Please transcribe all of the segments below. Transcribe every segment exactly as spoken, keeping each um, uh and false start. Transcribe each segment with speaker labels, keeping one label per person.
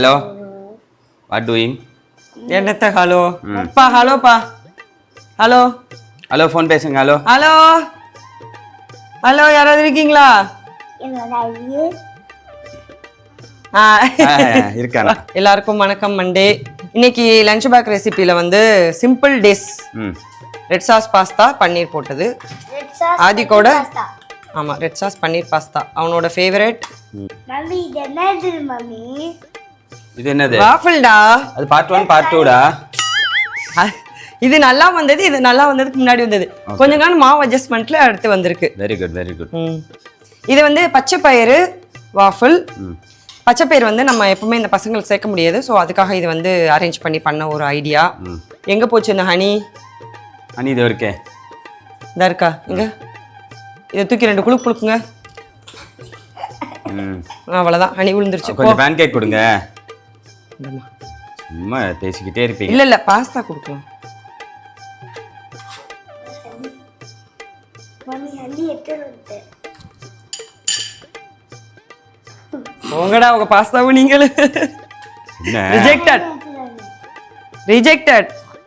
Speaker 1: Hello. What doing?
Speaker 2: என்னத்த hello பா hello பா ஹலோ
Speaker 1: ஹலோ ஃபோன் பேசுங்க ஹலோ
Speaker 2: ஹலோ ஹலோ யாராவது இருக்கீங்களா ஆ
Speaker 1: இருக்கானா
Speaker 2: எல்லாருக்கும் வணக்கம் மண்டே இன்னைக்கு லஞ்ச் பேக் ரெசிபியில் வந்து சிம்பிள் டிஷ்
Speaker 1: ம்
Speaker 2: ரெட் சாஸ் பாஸ்தா பன்னீர் போட்டது ஆதிக்கோட ஆமாம் ரெட் சாஸ் பன்னீர் பாஸ்தா அவனோட ஃபேவரட்
Speaker 3: மம்மி இது என்னது மம்மி
Speaker 1: இது என்னது
Speaker 2: வாஃபிள்டா
Speaker 1: அது பார்ட் ஒன் பார்ட் டூடா
Speaker 2: இது நல்லா வந்தது இது நல்லா வந்ததுக்கு முன்னாடி வந்தது கொஞ்ச நாள் மாவு அட்ஜஸ்ட்மெண்ட்ல அடுத்து வந்திருக்கு
Speaker 1: வெரி குட் வெரி குட்
Speaker 2: இது வந்து பச்சை பயிறு வாஃபிள் பச்சை பயிறு வந்து நம்ம எப்பவுமே இந்த பசங்களுக்கு சேர்க்க முடியாது ஸோ அதுக்காக இது வந்து அரேஞ்ச் பண்ணி பண்ண ஒரு ஐடியா எங்க போச்சு இந்த ஹனி
Speaker 1: ஹனி இது இருக்கே
Speaker 2: இதா இருக்கா இங்க இதை தூக்கி ரெண்டு குழுக்கு குழுக்குங்க அவ்வளோதான் ஹனி விழுந்துருச்சு
Speaker 1: கொஞ்சம் பேன் கேக் கொடுங்க சும்மா பேசிக்கிட்டே இருப்பீங்க
Speaker 2: இல்ல இல்ல பாஸ்தா கொடுக்கலாம்
Speaker 3: மம்மி ஹண்டி எட்டு
Speaker 2: உங்கடா உங்க பாஸ்தாவும் நீங்களும்
Speaker 1: என்ன
Speaker 2: ரிஜெக்டட் ரிஜெக்டட்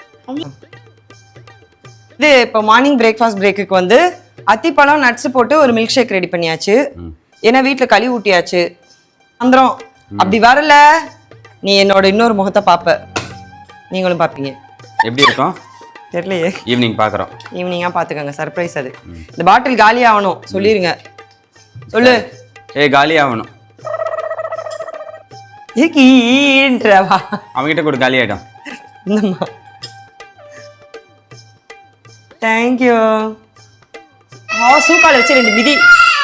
Speaker 2: இது இப்போ மார்னிங் பிரேக்ஃபாஸ்ட் பிரேக்குக்கு வந்து அத்திப்பழம் நட்ஸ் போட்டு ஒரு மில்க் ஷேக் ரெடி பண்ணியாச்சு ஏன்னா வீட்டில் களி ஊட்டியாச்சு வந்துடும் அப்படி வரல நீ என்னோட இன்னொரு முகத்தை பார்ப்ப நீங்களும் பார்ப்பீங்க
Speaker 1: எப்படி இருக்கும்
Speaker 2: தெரியலையே
Speaker 1: ஈவினிங் பார்க்குறோம்
Speaker 2: ஈவினிங்காக பார்த்துக்கோங்க சர்ப்ரைஸ் அது இந்த பாட்டில் காலி ஆகணும் சொல்லிடுங்க சொல்லு
Speaker 1: ஏய் காலி ஆகணும்
Speaker 2: ஏன்றவா
Speaker 1: அவங்ககிட்ட கூட காலி ஆகிடும்
Speaker 2: இந்தம்மா தேங்க்யூ ஆ சூக்கால வச்சு ரெண்டு மிதி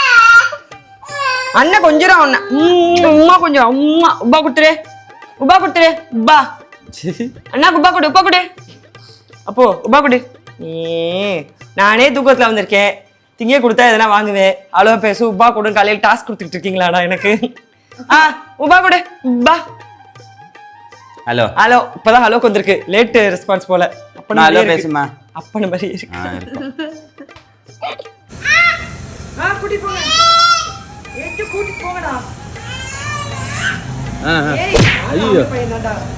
Speaker 2: அண்ணன் கொஞ்சம் அண்ணன் உம்மா கொஞ்சம் உம்மா உப்பா கொடுத்துரு உப்பா கொடுத்துரு உப்பா அண்ணா உப்பா கொடு உப்பா கொடு அப்போ உப்பா கொடு ஏ நானே தூக்கத்தில் வந்திருக்கேன் திங்க கொடுத்தா எதனா வாங்குவேன் அவ்வளோ பேசு உப்பா கொடு காலையில் டாஸ்க் கொடுத்துட்டு இருக்கீங்களாடா எனக்கு ஆ உப்பா கொடு உப்பா
Speaker 1: ஹலோ
Speaker 2: ஹலோ இப்போதான் ஹலோக்கு வந்திருக்கு லேட் ரெஸ்பான்ஸ் போல
Speaker 1: அப்போ ஹலோ பேசுமா
Speaker 2: அப்பன மாதிரி இருக்கு ஆ கூட்டி போங்க ஏத்து கூட்டி போங்கடா
Speaker 1: ஆ
Speaker 2: ஏய்
Speaker 1: ஐயோ
Speaker 2: பையனாடா